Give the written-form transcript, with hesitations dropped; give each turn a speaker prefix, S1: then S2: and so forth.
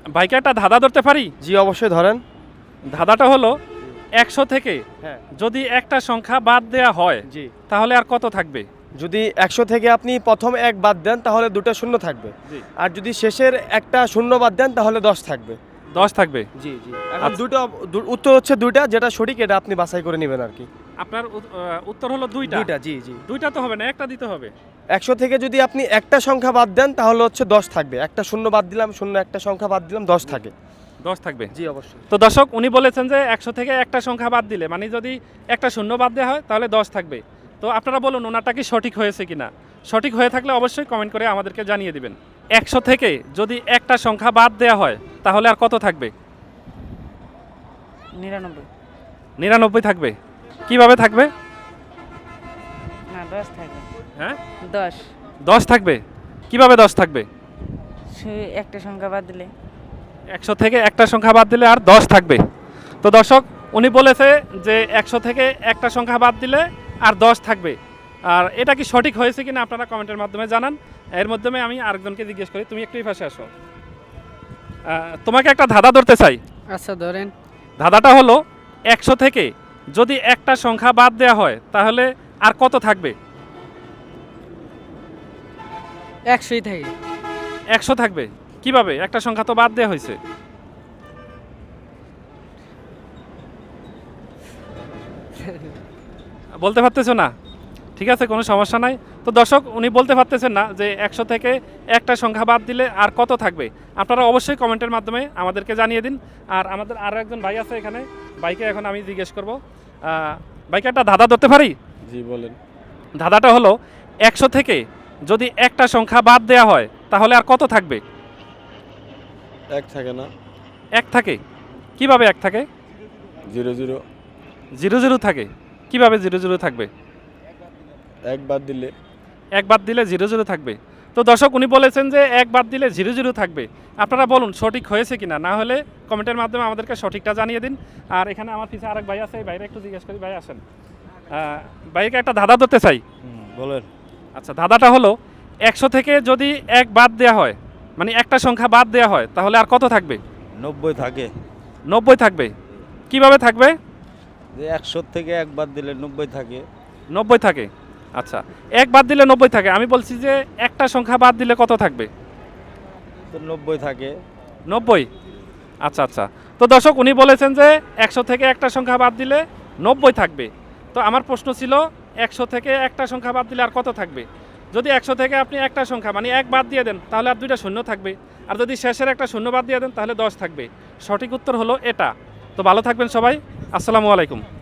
S1: ভাইকে একটা ধাঁধা ধরতে পারি?
S2: জি অবশ্যই ধরেন।
S1: ধাঁধাটা হলো 100 থেকে
S2: হ্যাঁ
S1: যদি একটা সংখ্যা বাদ দেয়া হয়
S2: জি,
S1: তাহলে আর কত থাকবে?
S2: যদি 100 থেকে আপনি প্রথম এক বাদ দেন তাহলে দুটো শূন্য থাকবে,
S1: জি।
S2: আর যদি শেষের একটা শূন্য বাদ দেন তাহলে 10 থাকবে।
S1: 10 থাকবে।
S2: জি জি, এখন
S1: আচ্ছা।
S2: দুটো উত্তর হচ্ছে দুইটা, যেটা সঠিক এটা আপনি বাছাই করে নেবেন আর কি।
S1: আপনার উত্তর হলো দুইটা।
S2: দুইটা, জি জি।
S1: দুইটা তো হবে না, একটা দিতে হবে।
S2: 100 থেকে যদি আপনি একটা সংখ্যা বাদ দেন তাহলে হচ্ছে 10 থাকবে, একটা শূন্য বাদ দিলাম, শূন্য একটা সংখ্যা বাদ দিলাম, 10 থাকে।
S1: 10 থাকবে।
S2: জি অবশ্যই।
S1: তো দর্শক উনি বলেছেন যে 100 থেকে একটা সংখ্যা বাদ দিলে মানে যদি একটা শূন্য বাদ দেওয়া হয় তাহলে 10 থাকবে। তো আপনারা বলুন ওনারটা কি সঠিক হয়েছে কিনা। সঠিক হয়ে থাকলে অবশ্যই কমেন্ট করে আমাদেরকে জানিয়ে দিবেন। 100 থেকে যদি একটা সংখ্যা বাদ দেওয়া হয় তাহলে আর কত থাকবে?
S3: 99।
S1: 99 থাকবে। কিভাবে থাকবে?
S3: না 10 থাকবে।
S1: হ্যাঁ
S3: 10
S1: 10 থাকবে। কিভাবে 10 থাকবে?
S3: একটা সংখ্যা বাদ দিলে
S1: 100 থেকে একটা সংখ্যা বাদ দিলে আর 10 থাকবে। তো দর্শক উনি বলেছে যে 100 থেকে একটা সংখ্যা বাদ দিলে আর 10 থাকবে। আর এটা কি সঠিক হয়েছে কিনা আপনারা কমেন্টের মাধ্যমে জানান। এর মাধ্যমে আমি আরেকজনকে জিজ্ঞেস করি, তুমি একটু এই পাশে আসো। তোমাকে একটা ধাঁধা ধরতে চাই।
S3: আচ্ছা ধরেন।
S1: ধাঁধাটা হলো 100 থেকে যদি একটা সংখ্যা বাদ দেওয়া হয় তাহলে আর কত থাকবে?
S3: 100ই থাকে।
S1: 100 থাকবে। কিভাবে? একটা সংখ্যা তো বাদ দেওয়া হয়েছে। বলতে পারতেছো না? ঠিক আছে, কোনো সমস্যা নাই। তো দর্শক উনি বলতে পারতেছেন না যে 100 থেকে একটা সংখ্যা বাদ দিলে আর কত থাকবে। আপনারা অবশ্যই কমেন্টের মাধ্যমে আমাদেরকে জানিয়ে দিন। আর আমাদের আরও একজন ভাই আছে এখানে, ভাইকে এখন আমি জিজ্ঞেস করব। ভাইকে একটা ধাঁধা ধরতে পারি?
S2: জি বলেন।
S1: ধাঁধাটা হলো 100 থেকে যদি একটা সংখ্যা বাদ দেওয়া হয় তাহলে আর কত থাকবে?
S2: এক থাকে না,
S1: 1 থাকে। কিভাবে 1 থাকে?
S2: 0 0
S1: 0 থাকে। কিভাবে 0 থাকবে?
S2: এক বাদ দিলে।
S1: 1 বাদ দিলে 0 থাকবে। তো দর্শক উনি বলেছেন যে 1 বাদ দিলে 0 থাকবে। আপনারা বলুন সঠিক হয়েছে কিনা। না হলে কমেন্টের মাধ্যমে আমাদেরকে সঠিকটা জানিয়ে দিন। আর এখানে আমার পিছনে আরেক ভাই আছে, এই ভাইরা একটু জিজ্ঞেস করি। ভাই আসেন। ভাইকে একটা ধাঁধা ধরতে চাই।
S2: বলেন।
S1: আচ্ছা, ধাঁধাটা হলো 100 থেকে যদি 1 বাদ দেওয়া হয় মানে একটা সংখ্যা বাদ দেওয়া হয় তাহলে আর কত থাকবে?
S4: 90 থাকে।
S1: 90 থাকবে। কিভাবে থাকবে?
S4: যে 100 থেকে 1 বাদ দিলে 90 থাকে।
S1: 90 থাকে। আচ্ছা, 1 বাদ দিলে 90 থাকে। আমি বলছি যে একটা সংখ্যা বাদ দিলে কত থাকবে?
S4: তো 90 থাকে।
S1: 90। আচ্ছা আচ্ছা। তো দর্শক উনি বলেছেন যে 100 থেকে একটা সংখ্যা বাদ দিলে 90 থাকবে। তো আমার প্রশ্ন ছিল 100 থেকে একটা সংখ্যা বাদ দিলে আর কত থাকবে? যদি 100 থেকে আপনি একটা সংখ্যা মানে 1 বাদ দিয়ে দেন তাহলে আর দুইটা শূন্য থাকবে। আর যদি শেষের একটা শূন্য বাদ দিয়ে দেন তাহলে 10 থাকবে। সঠিক উত্তর হলো এটা। তো ভালো থাকবেন সবাই। আসসালামু আলাইকুম।